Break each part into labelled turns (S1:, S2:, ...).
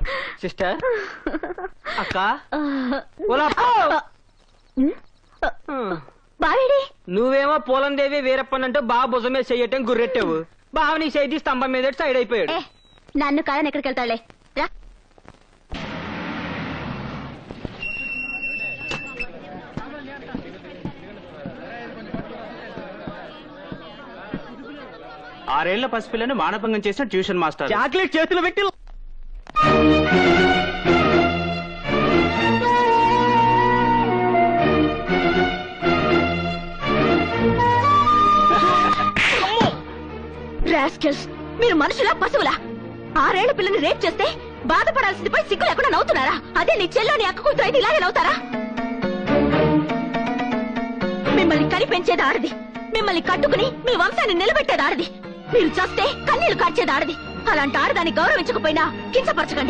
S1: Sister అక్క
S2: బావేడి
S1: నువ్వేమో పోలందేవి వీరప్పనంటూ బాగా భుజమే చెయ్యటం గుర్రెట్టావు. బావ నీ చేతి స్తంభం మీద సైడ్ అయిపోయాడు.
S2: నన్ను కాదని ఎక్కడికి వెళ్తాడులే రా.
S3: ఆరేళ్ల పసిపిల్లని మానభంగం చేసిన ట్యూషన్ మాస్టర్
S1: చాక్లెట్ చేతులు పెట్టి
S2: రాస్కెల్స్, మీరు మనుషులా పశువులా? 6 ఏళ్ల పిల్లని రేప్ చేస్తే బాధపడాల్సింది పోయి సిగ్గు లేకుండా నవ్వుతున్నారా? అదే నీ చెల్లో నీ అక్క కూతురు అయితే ఇలాగే నవ్వుతారా? మిమ్మల్ని కని పెంచేది ఆడది, మిమ్మల్ని కట్టుకుని మీ వంశాన్ని నిలబెట్టేది ఆడది, మీరు చేస్తే కన్నీళ్లు కార్చేది ఆడది. అలాంటి ఆడదాన్ని గౌరవించకపోయినా కించపరచకండి.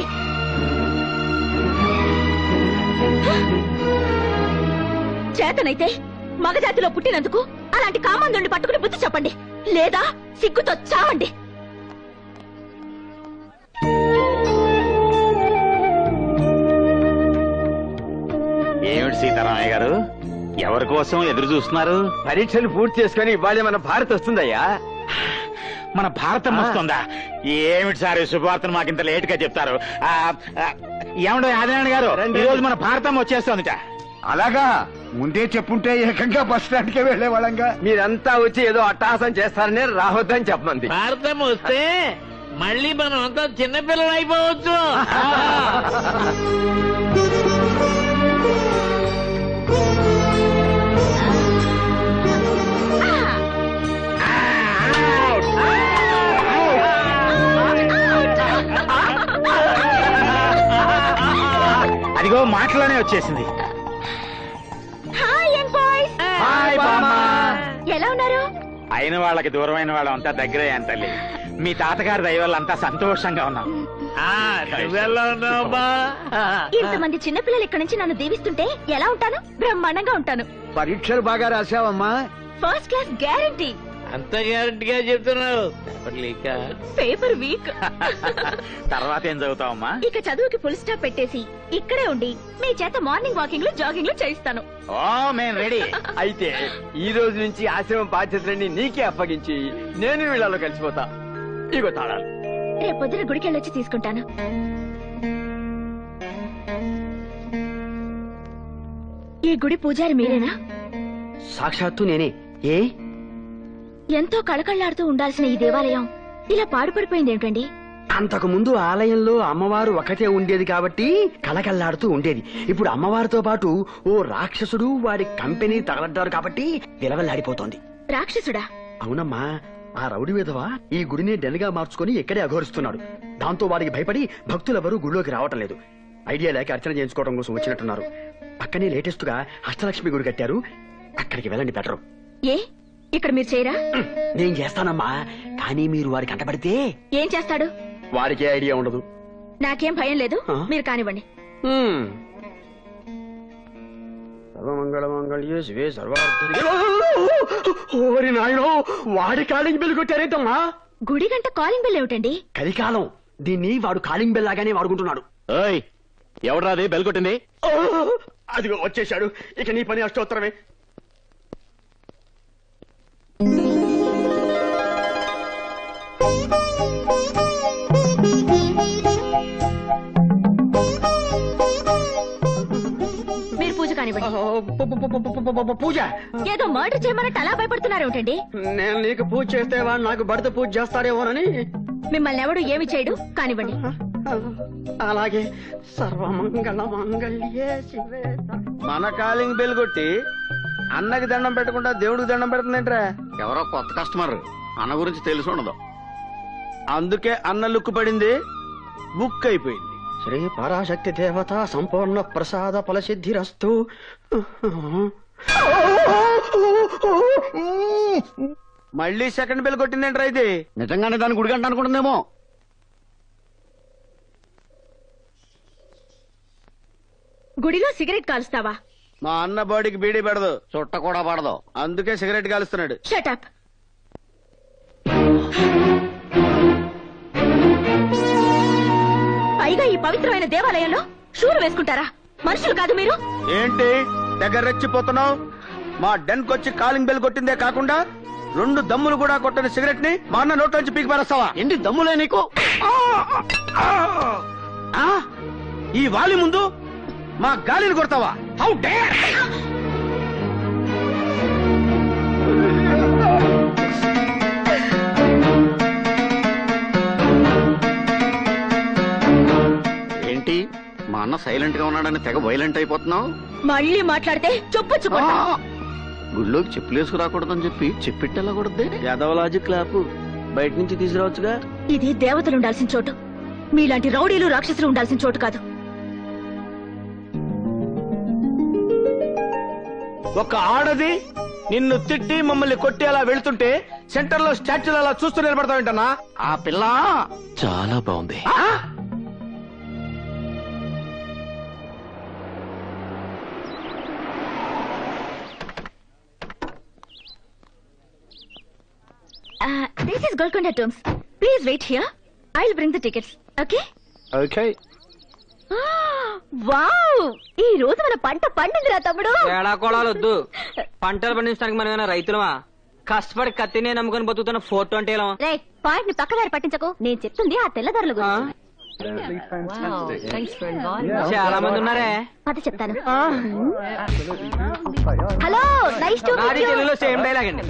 S2: చేతనైతే మగజాతిలో పుట్టినందుకు అలాంటి కామందుని పట్టుకుని బుద్ధి చెప్పండి, లేదా సిగ్గుతో చావండి.
S3: ఏమిటి సీతారామయ్య గారు, ఎవరి కోసం ఎదురు చూస్తున్నారు?
S4: పరీక్షలు పూర్తి చేసుకుని ఇవాళ మన భారత్ వస్తుందయ్యా.
S3: మన భారతం వస్తుందా? ఏమిటి సార్ శుభవార్తను మాకింత లేట్ గా చెప్తారు? ఏమండో ఆదినారాయణ గారు, ఈ రోజు మన భారతం వచ్చేస్తుందిట.
S4: అలాగా ముందే చెప్పుంటే ఏకంగా బస్ స్టాండ్ కే వెళ్లే వాళ్ళంగా. మీరంతా వచ్చి ఏదో అట్టహాసం చేస్తారని రావద్దని చెప్పమంది.
S5: భారతం వస్తే మళ్ళీ మనం అంతా చిన్నపిల్లలు అయిపోవచ్చు.
S3: అదిగో మాటలోనే వచ్చేసింది.
S2: ఎలా ఉన్నారు?
S3: అయిన వాళ్ళకి దూరమైన వాళ్ళం అంతా దగ్గరే తల్లి. మీ తాతగారి దయ వల్ల అంతా సంతోషంగా ఉన్నాం.
S2: ఇంతమంది చిన్నపిల్లలు ఇక్కడ నుంచి నన్ను దీవిస్తుంటే ఎలా ఉంటాను? బ్రహ్మాండంగా ఉంటాను.
S4: పరీక్షలు బాగా రాసావమ్మా?
S2: First class guarantee.
S5: అంత గ్యారంటీగా చెప్తున్నావు?
S2: Paper weak.
S3: తర్వాత ఏం చదువుతావమ్మా?
S2: ఇక చదువుకి ఫుల్ స్టాప్ పెట్టేసి ఇక్కడే ఉండి మీ చేత మార్నింగ్ వాకింగ్ లో జాగింగ్ లో చేయిస్తాను.
S3: ఓ మేము రెడీ.
S4: అయితే ఈ రోజు నుంచి ఆశ్రమం బాధ్యతలన్నీ నీకే అప్పగించి నేను వీళ్ళలో కలిసిపోతా. ఇగో తాళాలు.
S2: రేపొద్దున గుడికి వెళ్ళొచ్చి తీసుకుంటాను. ఈ గుడి పూజారి మీరేనా?
S1: సాక్షాత్తు నేనే. ఏ
S2: ఎంతో కళకళ్లాడుతూ ఉండాల్సిన ఈ దేవాలయం ఇలా పాడుపడిపోయింది ఏమిటండి?
S1: అంతకు ముందు ఆలయంలో అమ్మవారు ఒకటే ఉండేది కాబట్టి కలకల్లాడుతూ ఉండేది. ఇప్పుడు అమ్మవారితో పాటు ఓ రాక్షసుడు వాడి కంపెనీ తగలడ్డారు కాబట్టి విలవల్లాడిపోతోంది.
S2: రాక్షసుడా?
S1: అవునమ్మా, ఆ రౌడీ విధవ ఈ గుడిని డెన్గా మార్చుకుని ఇక్కడే అఘోరిస్తున్నాడు. దాంతో వాడికి భయపడి భక్తులెవరూ గుడిలోకి రావటం లేదు. ఐడియా లేక అర్చన చేయించుకోవడం కోసం వచ్చినట్టున్నారు. పక్కనే లేటెస్ట్ గా అష్టలక్ష్మి గుడి కట్టారు, అక్కడికి వెళ్ళండి బెటరు.
S2: ఏ ఇక్కడ మీరు చేయరా?
S1: నేను చేస్తానమ్మా, కానీ మీరు వారికి అంటపడితే
S2: ఏం చేస్తాడు?
S1: వారికి ఐడియా ఉండదు.
S2: నాకేం భయం లేదు, మీరు కానివ్వండి.
S1: సర్వమంగళమంగళ్యే శివే సర్వార్థ. ఓరి నాయనో, వాడి కాలింగ్ బెల్ కొట్టారేంటమ్మా?
S2: గుడి గంట కాలింగ్ బెల్ ఏమిటండి?
S1: కలికాలం దీన్ని వాడు కాలింగ్ బెల్ లాగానే వాడుకుంటున్నాడు.
S3: ఎవడ్రాది బెల్ కొట్టింది?
S1: అదిగో వచ్చేశాడు. ఇక నీ పని అష్టోత్తరమే.
S2: మీరు పూజ కానివ్వండి.
S1: పూజ?
S2: ఏదో మర్డర్ చేయమన్నట్టు అలా భయపడుతున్నారు ఏమిటండి?
S1: నేను నీకు పూజ చేస్తే వాడు నాకు భర్త పూజ చేస్తాడేమోనని.
S2: మిమ్మల్ని ఎవడు ఏమి చేయడు, కానివ్వండి.
S1: అలాగే. సర్వమంగళ మంగళ్యే శివే.
S4: మన కాలింగ్ బెల్ కొట్టి అన్నకి దండం పెట్టకుండా దేవుడికి దండం పెడుతుందేంట్రా?
S3: ఎవరో కొత్త కస్టమర్, అన్న గురించి తెలిసి ఉండదు.
S4: అందుకే అన్న లుక్కు పడింది, బుక్ అయిపోయింది.
S1: శ్రీ పరాశక్తి దేవత సంపూర్ణ ప్రసాద ఫలసిద్ధిరస్తు.
S4: మళ్ళీ సెకండ్ బెల్ కొట్టిందేంట్రా ఇది?
S1: నిజంగానే దాని గుడిగంట అనుకుంటుందేమో.
S2: గుడిలో సిగరెట్ కాలుస్తావా?
S4: మా అన్న బాడీకి బీడీ పెడదు,
S3: చుట్ట కూడా పడదు,
S4: అందుకే సిగరెట్ కాలుస్తున్నాడు.
S2: Shut up. పైగా ఈ పవిత్రమైన దేవాలయంలో షూలు వేసుకుంటారా? మనుషులు కాదు మీరు.
S1: ఏంటి దగ్గర రెచ్చిపోతున్నావు? మా డెన్ కొచ్చి కాలింగ్ బెల్ కొట్టిందే కాకుండా 2 దమ్ములు కూడా కొట్టని సిగరెట్ ని మా అన్న నోట్లోంచి పీకి పారేస్తావా? ఏంటి దమ్ములే నీకు? ఈ వాలి ముందు మా గాలిని కొడతావా? How dare!
S6: ఏంటి మా అన్న సైలెంట్ గా ఉన్నాడని తెగ వైలెంట్ అయిపోతున్నావు?
S2: మళ్ళీ మాట్లాడితే చొప్పొచ్చుకుంటా.
S6: గుళ్ళోకి చెప్పులేసుకు రాకూడదని చెప్పి చెప్పిట్టెళ్ళకూడదే.
S1: యాదవలాజీ క్లాపు బయట నుంచి తీసుకురావచ్చుగా.
S2: ఇది దేవతలు ఉండాల్సిన చోటు, మీలాంటి రౌడీలు రాక్షసులు ఉండాల్సిన చోటు కాదు.
S1: ఒక ఆడది నిన్ను తిట్టి మమ్మల్ని కొట్టి అలా వెళ్తుంటే సెంటర్ లో స్టాచ్యూలు అలా చూస్తూ నిలబడతావేంటన్నా?
S6: ఆ పిల్ల
S7: చాలా బాగుంది.
S2: This is Golconda Tombs. Please wait here. I'll bring the tickets. Okay?
S1: Okay.
S2: Wow! ఈ రోజు మన పంట పండిందిరా తమ్ముడు.
S8: ఏడాకోళాలు వద్దు. పంటలు పండించడానికి మనం ఏమైనా రైతులమా? కష్టపడి కత్తినే నమ్ముకొని బతుకుతున్న 420
S2: రే, పాయింట్ ని పక్కదారి పట్టించకు. నేను చెప్తుంది ఆ తెల్లదారుల గురించి.
S8: చాలా మంది ఉన్నారే.
S2: అది చెప్తాను. హలో, నైస్ టు
S8: నాది
S2: మీట్ యు.
S8: తెలుగులో సేమ్ డైలాగ్ అండి.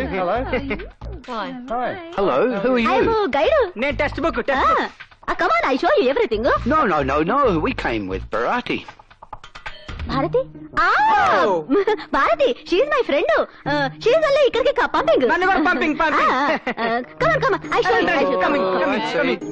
S7: Hello, who are
S2: I
S7: you?
S2: Am guide.
S8: నేను text book
S2: come on, I show you everything.
S7: No. We came with Bharati.
S2: Bharati? Bharati, she is my friend. She is only ఇక్కడికి పంపింగ్.
S8: నన్ను కూడా పంపింగ్.
S2: Come on, I show you.
S8: Coming.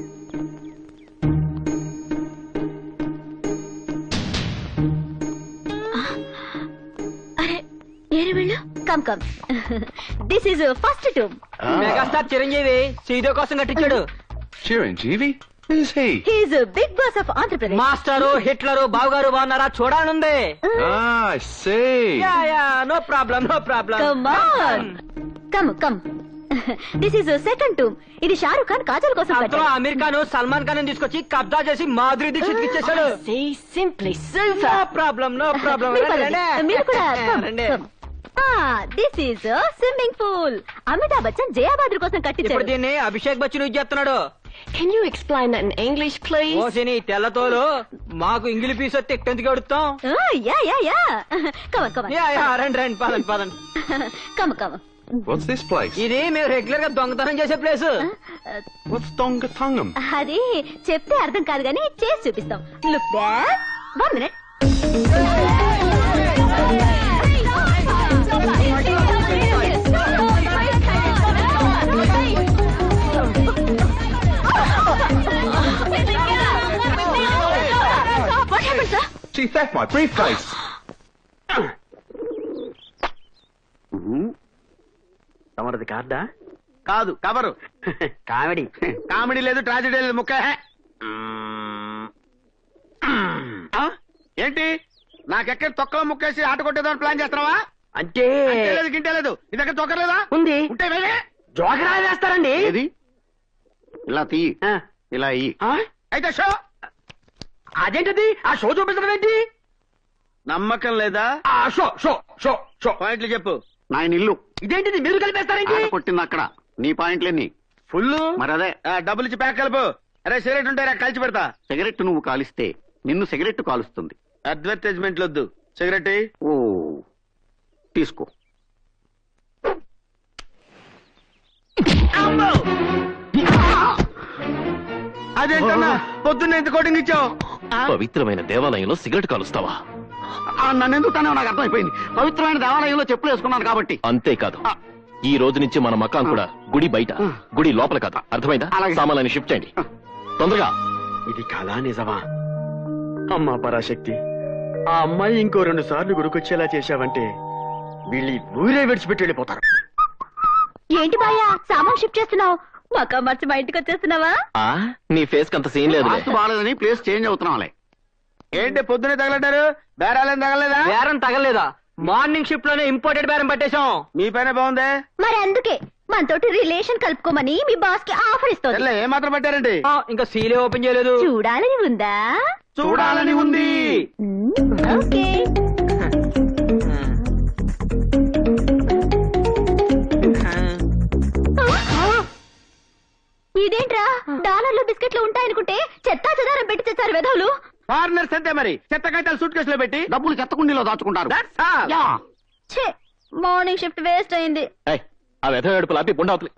S2: అరే, ఏరే వెళ్ళు. Come. This is first tomb.
S8: Megastar Chiranjeevi సీదో కోసం కట్టించాడు.
S7: Chiranjeevi? Who's he?
S2: He is big boss of Andhra Pradesh.
S8: Master, Hitler, Bavagaru Bagunnara? Choodalani Undi.
S7: I see.
S8: No problem.
S2: Come on, come. This is second tomb. ఇది షారుఖ్ ఖాన్ కాజల్ కోసం
S8: అందులో
S2: కట్టాడు.
S8: అమీర్ ఖాన్ సల్మాన్ ఖాన్ తీసుకొచ్చి కబ్జా చేసి మాధురి దీక్షిత్ ఇచ్చేసాడు. No problem.
S2: మీరు కూడా come. This is swimming pool. Amitabh Bachchan Jaya Bhaduri కోసం
S8: ఇప్పుడు
S2: కట్టించాడు.
S8: దీన్ని అభిషేక్ బచ్చన్ యూజ్ చేస్తున్నాడు.
S9: Can you explain that in English, please?
S8: ఓసిని తెల్లతోలు మాకు ఇంగిలి పీస్ వస్తే ఎక్కడికి అడుగుతాం.
S2: యా. కమ్.
S8: రండి పదండి.
S2: కమ్.
S7: What's this place?
S8: ఇది మేము రెగ్యులర్ గా దొంగతనం చేసే ప్లేస్.
S7: What's Dongatungam?
S2: అది చెప్తే అర్థం కాదు గానీ చేసి చూపిస్తాం. Look back. 1 minute. What happened, sir?
S7: She theft my briefcase.
S1: తమరది కార్డా? కాదు, కవరు. కామెడీ లేదు, ట్రాజెడీ లేదు, ముక్క. ఏంటి నాకెక్కడ తొక్కలో ముక్కేసి ఆట కొట్టేదాన్ని ప్లాన్ చేస్తున్నావా? అంటే లేదు, గింటే లేదు. నీ దగ్గర తొక్కలేదా? ఉంది. ఉంటే జోకరా వేస్తారండి.
S6: ఏది ఇలా తీయి, ఇలా ఇయ్యి.
S1: అయితే షో. అదేంటది? ఆ షో చూపించడం ఏంటి? నమ్మకం లేదా? షో పాయింట్లు చెప్పు.
S6: నా ఇల్లు
S1: ఇదేంటిది? మీరు కలిపేస్తారేంటి?
S6: ఆట కొట్టింది అక్కడ. నీ పాయింట్లేని
S1: ఫుల్.
S6: మరి అదే
S1: డబ్బులు ఇచ్చి ప్యాక్ కలుపు. అరే సిగరెట్ ఉంటారా? కలిసి పెడతా.
S6: సిగరెట్ నువ్వు కాలిస్తే నిన్ను సిగరెట్ కాలుస్తుంది.
S1: అడ్వర్టైజ్మెంట్లు వద్దు. సిగరెట్
S6: ఓ తీసుకో.
S1: అదేంటన్నా పొద్దున్న ఎంత కోటింగ్ ఇచ్చావు?
S7: పవిత్రమైన దేవాలయంలో సిగరెట్ కాలుస్తావా?
S6: నన్ను ఎందుకు తనే నాకు అర్థమైపోయింది. పవిత్రమైన దేవాలయంలో చెప్పులు వేసుకున్నాను కాబట్టి.
S7: అంతేకాదు, ఈ రోజు నుంచి మన మకాం కూడా గుడి బయట, గుడి లోపల కాదు. అర్థమైందా?
S6: అలాగే.
S7: సామాన్యాన్ని షిఫ్ట్ చేయండి తొందరగా.
S1: ఇది కళా నిజమా? అమ్మా పరాశక్తి, ఆ అమ్మాయి ఇంకో 2 సార్లు గుడికొచ్చేలా చేశావంటే వీళ్ళు ఈ ఊరే విడిచిపెట్టి వెళ్ళిపోతారు.
S2: ఏంటి బాయా సామాన్ షిఫ్ట్ చేస్తున్నావు? మకా మార్చి మా ఇంటికి వచ్చేస్తున్నావా?
S7: నీ ఫేస్ అంత సీన్ లేదు.
S6: వాస్తు బాగాలేదని ప్లేస్ చేంజ్ అవుతున్నాంలే.
S1: ఏంటి పొద్దునే తగలడ్డారు? బేరాలేం తగలలేదా?
S8: బేరం తగలేదా? మార్నింగ్ షిఫ్ట్ లోనే ఇంపోర్టెడ్ బేరం పట్టేశాం.
S1: మీ పైన బాగుందే.
S2: మరి అందుకే మనతోటి రిలేషన్ కలుపుకోమని మీ బాస్ కి ఆఫర్ ఇస్తుంది.
S4: ఏ మాత్రం పెట్టారండి?
S8: ఇంకా సీలే ఓపెన్ చేయలేదు.
S2: చూడాలని ఉందా?
S4: చూడాలని ఉంది.
S2: ఓకే. ఇదేంట్రా డాలర్లు బిస్కెట్లు ఉంటాయనుకుంటే చెత్తా చెదారం పెట్టి తెచ్చారు వెధవులు.
S4: ఫారినర్స్ అంతే మరి, చెత్త కట్టాలు సూట్ కేసులో పెట్టి
S6: డబ్బులు చెత్తకుండీలో దాచుకుంటారు.
S4: That's all.
S6: యా.
S2: ఛే, మార్నింగ్ షిఫ్ట్ వేస్ట్ అయింది.
S7: ఏయ్, ఆ వెధ ఏడుపులు ఆపి గుండవతలి.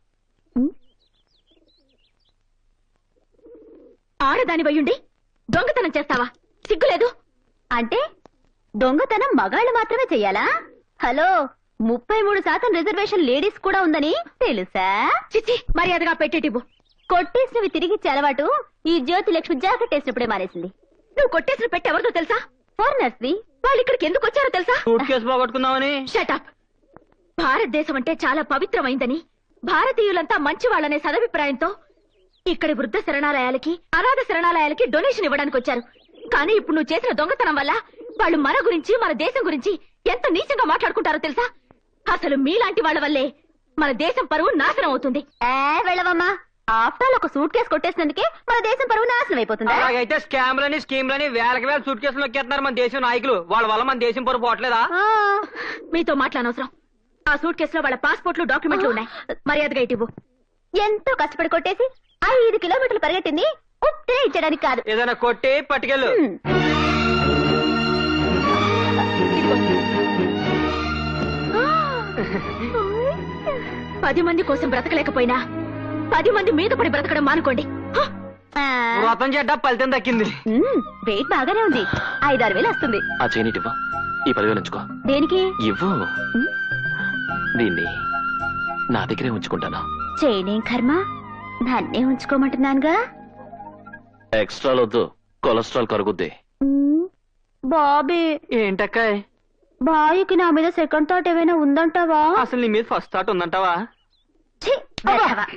S2: ఆడదాని వయ్యుండి దొంగతనం చేస్తావా? సిగ్గులేదు? అంటే దొంగతనం మగాళ్ళు మాత్రమే చెయ్యాలా? హలో, 33% రిజర్వేషన్ లేడీస్ కూడా ఉందని తెలుసా? చిచి, మర్యాదగా పెట్టేటివ్వు. కొట్టేసినవి తిరిగిచ్చే అలవాటు ఈ జ్యోతి లక్ష్మి జాకెట్ వేసినప్పుడే మానేసింది. నువ్వు కొట్టేసిన పెట్టి ఎవరితో తెలుసా? ఫారినర్స్ ది. వాళ్ళు ఇక్కడికి ఎందుకు వచ్చారో తెలుసా?
S8: సూట్ కేసు పోగొట్టుకుందామని.
S2: షటప్. భారతదేశం అంటే చాలా పవిత్రమైందని, భారతీయులంతా మంచి వాళ్ళనే సదభిప్రాయంతో ఇక్కడి వృద్ధ శరణాలయాలకి, అనాథ శరణాలయాలకి డొనేషన్ ఇవ్వడానికి వచ్చారు. కానీ ఇప్పుడు నువ్వు చేసిన దొంగతనం వల్ల వాళ్ళు మన గురించి, మన దేశం గురించి ఎంత నీచంగా మాట్లాడుకుంటారో తెలుసా? అసలు మీలాంటి వాళ్ళ వల్లే మన దేశం పరువు నాశనం అవుతుంది. వెళ్ళవమ్మా. ఆఫ్టర్ ఒక సూట్ కేసు కొట్టేసినందుకే మన దేశం పరువు నాశనం అయిపోతుంది.
S8: అలాగైతే స్కామ్లని స్కీమ్లని వేలకి వేల సూట్ కేసులు నొక్కేస్తున్నారు మన దేశం నాయకులు. వాళ్ళ వల్ల మన దేశం పరువు పోవట్లేదా?
S2: మీతో మాట్లాడనవసరం. ఆ సూట్ కేసులో వాళ్ళ పాస్పోర్ట్లు, డాక్యుమెంట్లు ఉన్నాయి. మర్యాదగా ఇటివ్వు. ఎంతో కష్టపడి కొట్టేసి 5 కిలోమీటర్లు పరిగెట్టింది ఉత్తే ఇచ్చడానికి కాదు.
S8: ఏదైనా కొట్టి పట్టుకెళ్ళు.
S2: 10 మంది కోసం బ్రతకలేకపోయినా 10 మంది మీద పడి బ్రతకడం మానుకోండి.
S8: వ్రతం చెడ్డ ఫలితం దక్కింది.
S2: వెయిట్ బాగానే ఉంది. 5-6 వేలు వస్తుంది.
S7: ఆ చైనీటి ఇవ్వు. ఈ 10,000 ఉంచుకో.
S2: దేనికి?
S7: ఇవ్వు. దీన్ని నా దగ్గరే ఉంచుకుంటాను.
S2: చేయనేం కర్మ, నన్నే ఉంచుకోమంటున్నానుగా.
S7: ఎక్స్ట్రా వద్దు, కొలెస్ట్రాల్ కరుగుద్ది.
S2: బాబీ,
S8: ఏంటక్కాయ్?
S2: బాయ్కి నా మీద సెకండ్ థాట్ ఏమైనా ఉందంటావా?
S8: అసలు నీ మీద ఫస్ట్ థాట్ ఉందంటావా?
S2: ఛీ,